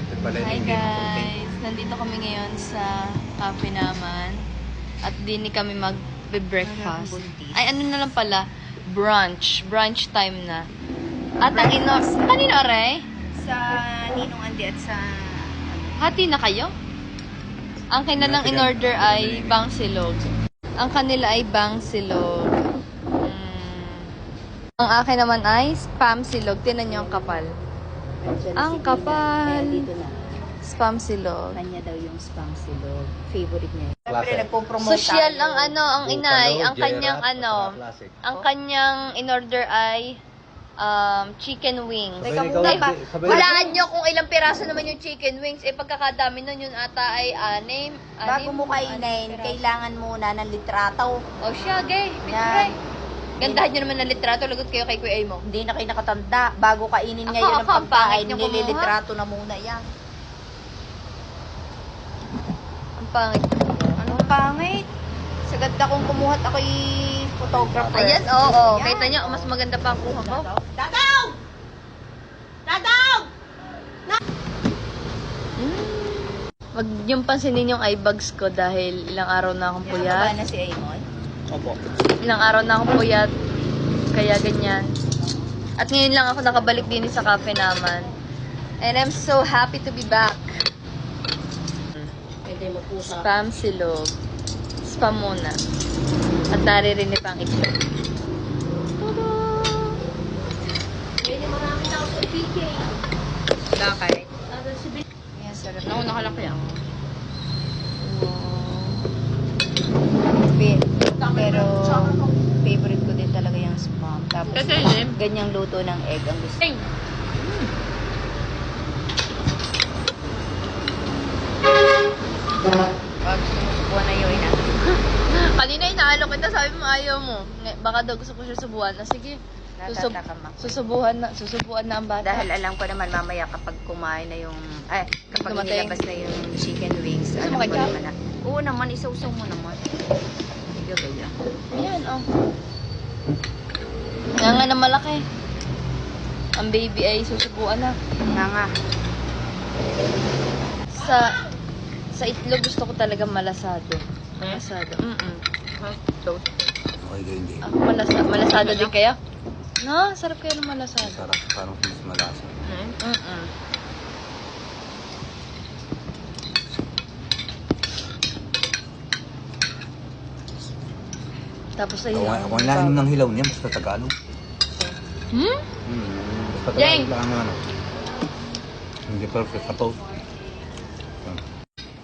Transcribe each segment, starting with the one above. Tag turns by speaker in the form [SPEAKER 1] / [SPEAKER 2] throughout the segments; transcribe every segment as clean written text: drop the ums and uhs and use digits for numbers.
[SPEAKER 1] Hi guys! Nandito kami ngayon sa cafe naman. At din kami mag-breakfast. Ay, ano na lang pala? Brunch. Brunch time na. At ang kanino, Aray?
[SPEAKER 2] Sa Ninong Andi at sa...
[SPEAKER 1] Hati na kayo? Ang kanilang in-order ay bangsilog. Ang kanila ay bangsilog. Ang akin naman ay spam silog. Tinan niyo ang kapal. Ang kapal.
[SPEAKER 2] Dito na.
[SPEAKER 1] Spam silog.
[SPEAKER 2] Kanya daw yung spam silog. Favorite niya.
[SPEAKER 3] Klase.
[SPEAKER 2] Nagpo-promote
[SPEAKER 1] Social
[SPEAKER 2] tayo.
[SPEAKER 1] ang inay. Ang
[SPEAKER 3] Buffalo,
[SPEAKER 1] kanyang
[SPEAKER 3] Gerard, classic.
[SPEAKER 1] ang kanyang in-order ay chicken wings.
[SPEAKER 2] Teka
[SPEAKER 3] Sabay
[SPEAKER 2] muna
[SPEAKER 3] ikaw,
[SPEAKER 2] pa.
[SPEAKER 3] sabay-
[SPEAKER 1] Hulaan nyo kung ilang piraso naman yung chicken wings. Eh, pagkakadami nun, yun ata ay anim.
[SPEAKER 2] Bago mo kainin, kailangan muna ng litrato.
[SPEAKER 1] O siya, gay.
[SPEAKER 2] Yan.
[SPEAKER 1] Gandahan nyo naman ng litrato. Lagot kayo kay Kuya mo.
[SPEAKER 2] Hindi na kayo nakatanda. Bago kainin
[SPEAKER 1] Ako,
[SPEAKER 2] ngayon ng
[SPEAKER 1] ang pangit
[SPEAKER 2] pagkain,
[SPEAKER 1] niyo kumuha.
[SPEAKER 2] nililitrato na muna yan.
[SPEAKER 1] Ang pangit.
[SPEAKER 2] Anong pangit? Sagad akong kumuha at ako'y photographer.
[SPEAKER 1] Ayan, oo.
[SPEAKER 2] Yan.
[SPEAKER 1] Kita nyo, mas maganda pa ang kuha ko.
[SPEAKER 2] Dadaw! Dadaw!
[SPEAKER 1] Wag yung pansinin yung eye bags ko dahil ilang araw na akong
[SPEAKER 2] Puyat.
[SPEAKER 1] puyat.
[SPEAKER 2] na si Aymon?
[SPEAKER 3] Opo.
[SPEAKER 1] Ilang araw na akong puyat. Kaya ganyan. At ngayon lang ako nakabalik din sa cafe naman. And I'm so happy to be back.
[SPEAKER 2] Pwede mo po sa...
[SPEAKER 1] Spam silog. Spam muna. At naririnig pang itlog.
[SPEAKER 2] Pwede marami na ako sa PK.
[SPEAKER 1] Bakit?
[SPEAKER 2] Yan, sarap.
[SPEAKER 1] Nauna ka lang kaya.
[SPEAKER 2] Pero favorite ko din talaga yung spam. Tapos ganyang luto ng egg ang gusto. Pag sumusubuan na yun na.
[SPEAKER 1] Kanina inaalo kita, sabi mo ayaw mo. Baka daw gusto ko siya subuhan. Na sige,
[SPEAKER 2] Natatakam ako.
[SPEAKER 1] susubuan na ang bata.
[SPEAKER 2] Dahil alam ko naman mamaya kapag kumain na yung... Ay, kapag
[SPEAKER 1] Dumating.
[SPEAKER 2] nilabas na yung chicken wings,
[SPEAKER 1] Gusto
[SPEAKER 2] alam
[SPEAKER 1] mo
[SPEAKER 2] ko
[SPEAKER 1] ketchup?
[SPEAKER 2] naman na. Oo naman, isaw-saw mo naman. Sige, kaya.
[SPEAKER 1] Ayan, oh. Nga na malaki. Ang baby ay susubuan na.
[SPEAKER 2] Nga nga.
[SPEAKER 1] Sa itlog gusto ko talaga malasado. Malasado.
[SPEAKER 3] Okay, hindi.
[SPEAKER 1] Ako malasado din kaya? No, sarap kaya ng malasado.
[SPEAKER 3] Sarap, parang mas malasa.
[SPEAKER 1] Tapos ayun.
[SPEAKER 3] Ako ang lalim ng hilaw niya, basta Tagalog.
[SPEAKER 1] Hmm?
[SPEAKER 3] Basta
[SPEAKER 1] Jeng!
[SPEAKER 3] Tagalog lang ano. Hindi perfect, tapos.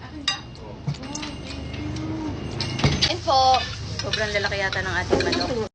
[SPEAKER 1] Info.
[SPEAKER 2] Sobrang lalaki yata ng ating manok.